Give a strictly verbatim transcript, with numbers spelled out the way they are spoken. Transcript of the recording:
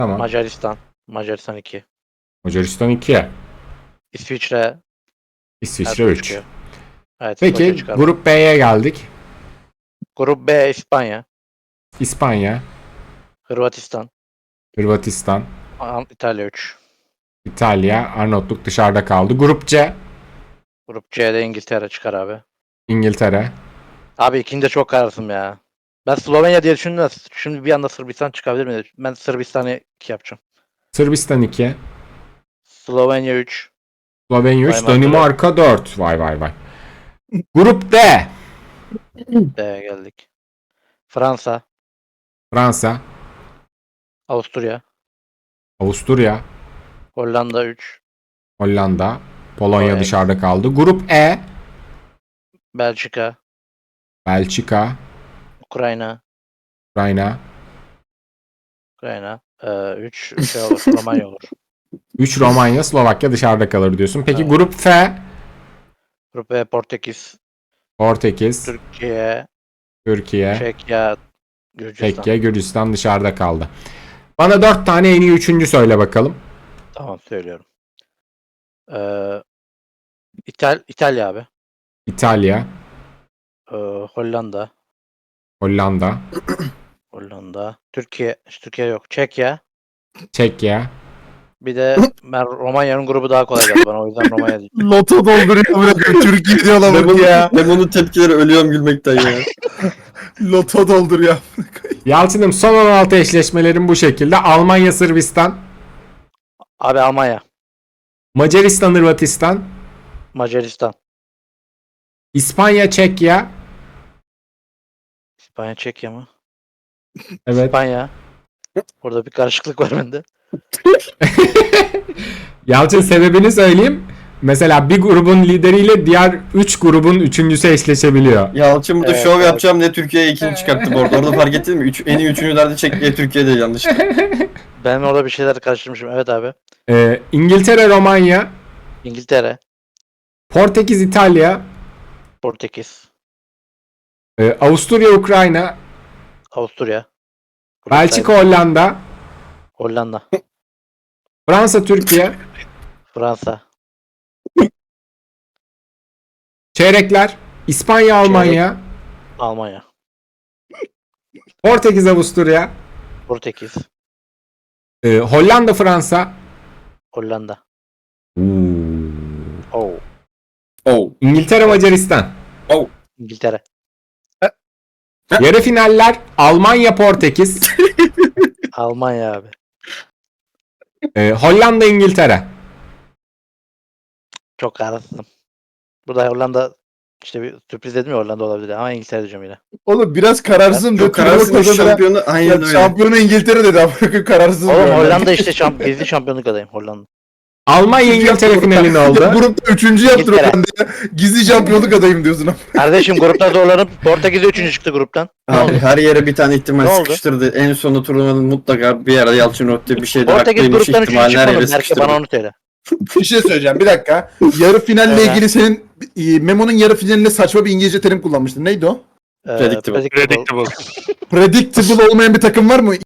Tamam. Macaristan. Macaristan iki. Macaristan iki. İsviçre. İsviçre Ertuğrul üç. çıkıyor. Evet, Peki Skoçya çıkarma. grup B'ye geldik. Grup B İspanya. İspanya, Hırvatistan. Hırvatistan, An- İtalya üç. İtalya, Arnavutluk dışarıda kaldı. Grup C, Grup C'de İngiltere çıkar abi. İngiltere, Abi ikinci de çok kararsın ya. Ben Slovenya diye düşündüm de şimdi bir anda Sırbistan çıkabilir mi? Ben Sırbistan'ı iki yapacağım. Sırbistan iki, Slovenya üç. Slovenya üç, Danimarka Danimarka dört. Vay vay vay. Grup D, D'ye geldik. Fransa. Fransa, Avusturya. Avusturya, Hollanda üç. Hollanda, Polonya Polonya dışarıda kaldı. Grup E, Belçika. Belçika, Ukrayna. Ukrayna, Ukrayna. Ee, üç şey olur. Romanya olur. üç Romanya, Slovakya dışarıda kalır diyorsun. Peki Evet. grup F, Grup B Portekiz. Portekiz, Türkiye. Türkiye, Çekya. Gürcistan. Çekya, Gürcistan dışarıda kaldı. Bana dört tane en iyi üçüncü söyle bakalım. Tamam söylüyorum. Ee, İtal İtalya abi. İtalya, Ee, Hollanda. Hollanda, Hollanda. Türkiye. Türkiye yok. Çekya. Çekya, Bir de ben Romanya'nın grubu daha kolay geldi bana. O yüzden Romanya diyeceğim. Loto dolduruyor bırakıyor. Türkiye diyor lan Memo'nun, ya. Memo'nun tepkileri ölüyorum gülmekten ya. Loto dolduruyor. Yalçın'ım son on altı eşleşmelerin bu şekilde. Almanya, Sırbistan, Abi Almanya. Macaristan, Hırvatistan, Macaristan. İspanya, Çekya. İspanya Çekya mı? Evet. İspanya. Burada bir karışıklık var bende. Yalçın sebebini söyleyeyim. Mesela bir grubun lideriyle diğer üç grubun üçüncüsü eşleşebiliyor. Yalçın burada Evet, şov evet. yapacağım diye Türkiye'ye ikinci çıkarttı bu arada. Orada fark ettin mi? Üç, en iyi üçüncülerde Çekya Türkiye'de yanlış. Ben orada bir şeyler karıştırmışım. Evet abi. Ee, İngiltere, Romanya, İngiltere. Portekiz, İtalya, Portekiz. e, Avusturya, Ukrayna, Avusturya. Grup Belçika, sahibi. Hollanda, Hollanda. Fransa, Türkiye, Fransa. çeyrekler, İspanya, Almanya, Almanya. Portekiz, Avusturya, Portekiz. e, Hollanda, Fransa, Hollanda. Oo. Oh. Oh. İngiltere, Macaristan. İngiltere. Yarı finaller Almanya, Portekiz, Almanya abi. e, Hollanda, İngiltere. Çok kararsızım. Burada Hollanda işte bir sürpriz dedim ya, Hollanda olabilir ama İngiltere diyeceğim yine. Oğlum biraz kararsızım. Çok kararsız şampiyonu Ya, aynen öyle. şampiyonu İngiltere dedi. Ama kararsız. Oğlum diyor. Hollanda işte şamp gizli şampiyonluk adayım Hollanda. Almanya, İngiltere finali ne Ya, oldu? grupta üçüncü yaptır İngiltere. Hollanda ya. Gizli şampiyonluk adayım diyorsun ama. Kardeşim grupta zorlanıp Portekiz'de üçüncü çıktı gruptan. Ne Abi oldu? her yere bir tane ihtimal Ne oldu? sıkıştırdı. En sonunda turnuvanın mutlaka bir yerde Yalçın Rotte bir şeyde Portekiz haklıymış gruptan üçüncü ihtimalini her çıkmadı. yere Belki sıkıştırdı. bana onu söyle. Bir şey söyleyeceğim. Bir dakika. Yarı finalle Evet. ilgili senin e, Memo'nun yarı finalinde saçma bir İngilizce terim kullanmıştın. Neydi o? Ee, Predictable. predictable. Predictable olmayan bir takım var mı?